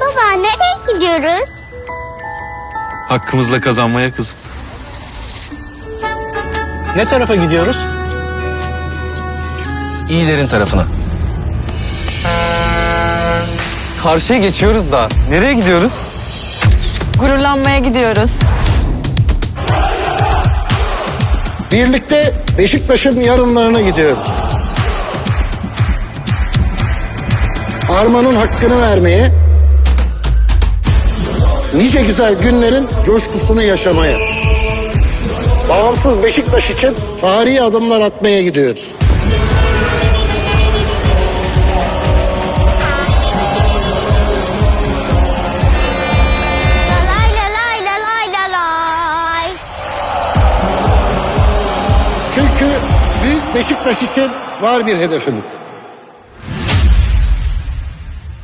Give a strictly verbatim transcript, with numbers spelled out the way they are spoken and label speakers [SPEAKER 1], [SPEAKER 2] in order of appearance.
[SPEAKER 1] Baba nereye gidiyoruz?
[SPEAKER 2] Hakkımızla kazanmaya kızım.
[SPEAKER 3] Ne tarafa gidiyoruz?
[SPEAKER 2] İyilerin tarafına. Karşıya geçiyoruz da. Nereye gidiyoruz?
[SPEAKER 4] Gururlanmaya gidiyoruz.
[SPEAKER 5] Birlikte Beşiktaş'ın yarınlarına gidiyoruz. Armanın hakkını vermeye, nice güzel günlerin coşkusunu yaşamaya. Bağımsız Beşiktaş için tarihi adımlar atmaya gidiyoruz.
[SPEAKER 1] Lalay lalay lalay lalay.
[SPEAKER 5] Çünkü büyük Beşiktaş için var bir hedefimiz.